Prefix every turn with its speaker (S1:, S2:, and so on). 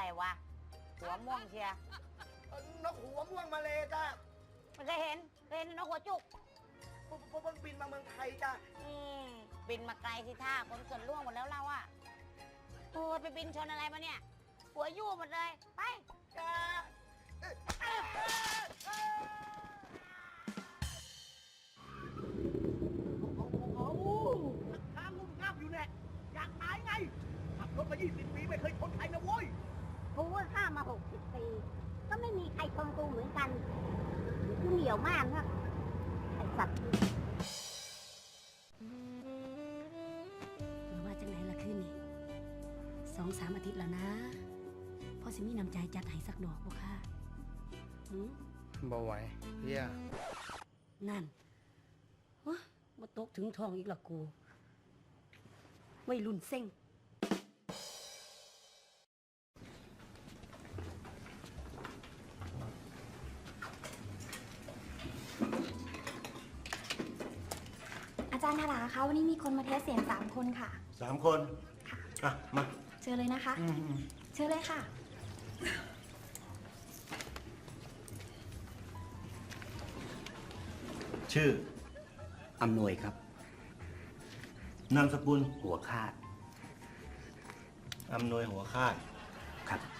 S1: วะหัวม่วงเชีย
S2: นกหัวม่วงมาเลยจ้า
S1: ไม่เคยเห็นนกหัวจุก
S2: มันบินมาเมืองไทยจ้า
S1: บินมาไกลสิท่าคนส่วนล่วงหมดแล้วเราอะโอ้ไปบินชนอะไรมาเนี่ยหัวยู่หมดเลยไป
S2: จ้าข้างงุ่มง่ามอยู่เนี่ยอยากตายไงขับรถมา20 ปีไม่เคยชนใครนะโว้ย
S1: กูว่าข้ามา60 ปีก็ไม่มีใครชนกูเหมือนกันกูเหนียวมากนะไอ้สัตว์
S3: มาว่าจังไหนล่ะคืนนี้2-3 อาทิตย์แล้วนะพ่อสิมีน้ำใจจัดให้สักดอกบ่ค่ะ
S2: บ่ไหวเพี้ย
S3: นั่นมาตกถึงทองอีกละกูวัยรุ่นเซ็ง
S4: อาจารย์ธาราคะวันนี้มีคนมาเทสเสียง3 คนค่ะ
S2: 3 คนอ่ะมา
S4: เชิญเลยนะคะเชิญเลยค่ะ
S5: ชื่ออำนวยครับ
S2: นามสกุล
S5: หัวคาด
S2: อำนวยหัวคาด
S5: ครับ